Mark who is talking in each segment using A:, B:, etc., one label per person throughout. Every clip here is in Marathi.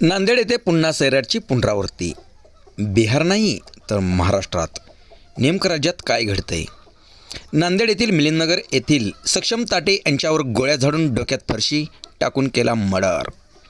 A: नांदेड येथे पुन्हा सैराटची पुनरावृत्ती. बिहार नाही तर महाराष्ट्रात नेमकं राज्यात काय घडतंय? नांदेड येथील मिलिंदनगर येथील सक्षम ताटे यांच्यावर गोळ्या झाडून डोक्यात फरशी टाकून केला मर्डर.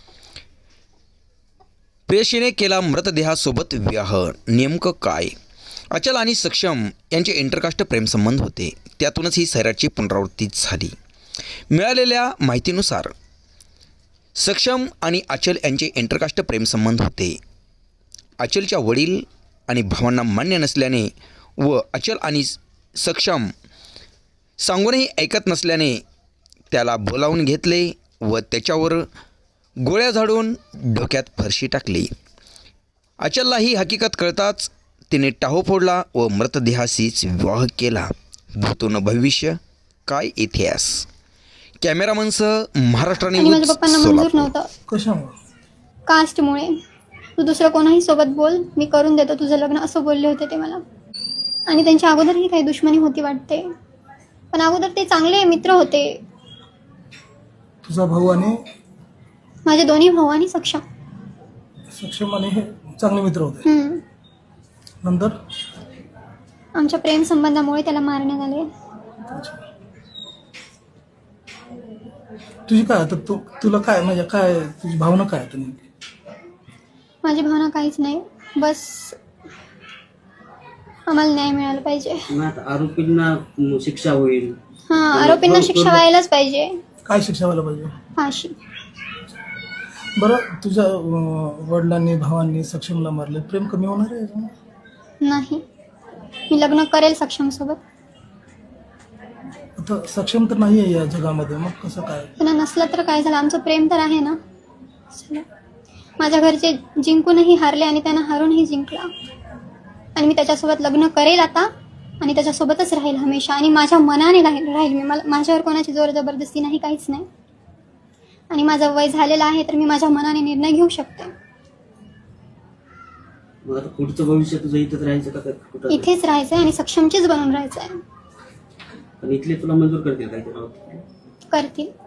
A: प्रेयसीने केला मृतदेहासोबत विवाह. नेमकं काय? अचल आणि सक्षम यांचे इंटरकास्ट प्रेमसंबंध होते. त्यातूनच ही सैराटची पुनरावृत्ती झाली. मिळालेल्या माहितीनुसार सक्षम आणि अचल यांचे इंटरकास्ट प्रेमसंबंध होते. अचलच्या वडील आणि भावांना मान्य नसल्याने व अचल आणि सक्षम सांगूनही ऐकत नसल्याने त्याला बोलावून घेतले व त्याच्यावर गोळ्या झाडून डोक्यात फरशी टाकली. अचलला ही हकीकत कळताच तिने टाहो फोडला व मृतदेहाशीच विवाह केला. भूतून भविष्य काय इतिहास. कॅमेरामनसह महाराष्ट्राने
B: आणि माझ्या पप्पांना मंजूर नव्हतं.
C: कशामुळे?
B: कास्टमुळे. तू दुसरं कोणाही सोबत बोल, मी करून देतो तुझं लग्न, असं बोलले होते ते मला. आणि त्यांच्या अगोदरही काही दुश्मनी होती वाटते, पण अगोदर ते चांगले मित्र होते.
C: तुझा भाऊ आणि
B: माझे दोन्ही भाऊ आणि सक्षम
C: सक्षम आणि हे चांगले मित्र होते. नंतर
B: आमच्या प्रेम संबंधामुळे त्याला मारण्यात आले.
C: तुझी काय आता तुला काय म्हणजे काय तुझी भावना काय आता नेमकी?
B: माझी भावना काहीच नाही, बस आम्हाला न्याय मिळाला पाहिजे.
D: आरोपींना शिक्षा होईल.
B: आरोपींना शिक्षा व्हायलाच पाहिजे.
C: काय शिक्षा व्हायला पाहिजे?
B: फाशी.
C: बरं, तुझ्या वडिलांनी भावांनी सक्षमला मारले, प्रेम कमी होणार आहे?
B: नाही, मी लग्न करेल सक्षम सोबत.
C: आता सक्षम तर नाही आहे या जगामध्ये, मग कसं काय?
B: पण नसलं तर काय झालं, आमचं प्रेम तर आहे ना. चला. माझ्या घरचे जिंकूनही हारले आणि त्यांना हारूनही जिंकला. आणि मी त्याच्यासोबत लग्न करेल आता आणि त्याच्यासोबतच राहील हमेशा. आणि माझ्या मनाने राहील मी. माझ्यावर कोणाची जोर जबरदस्ती नाही, काहीच नाही. आणि माझं वय झालेलं आहे तर मी माझ्या मनाने निर्णय घेऊ शकते.
D: पुढचं भविष्य तुझं इथेच राहायचं का कुठं?
B: इथेच राहायचंय आणि सक्षमचीच बनून राहायचंय.
D: पण इथले तुला मंजूर करतील काय?
B: करतील.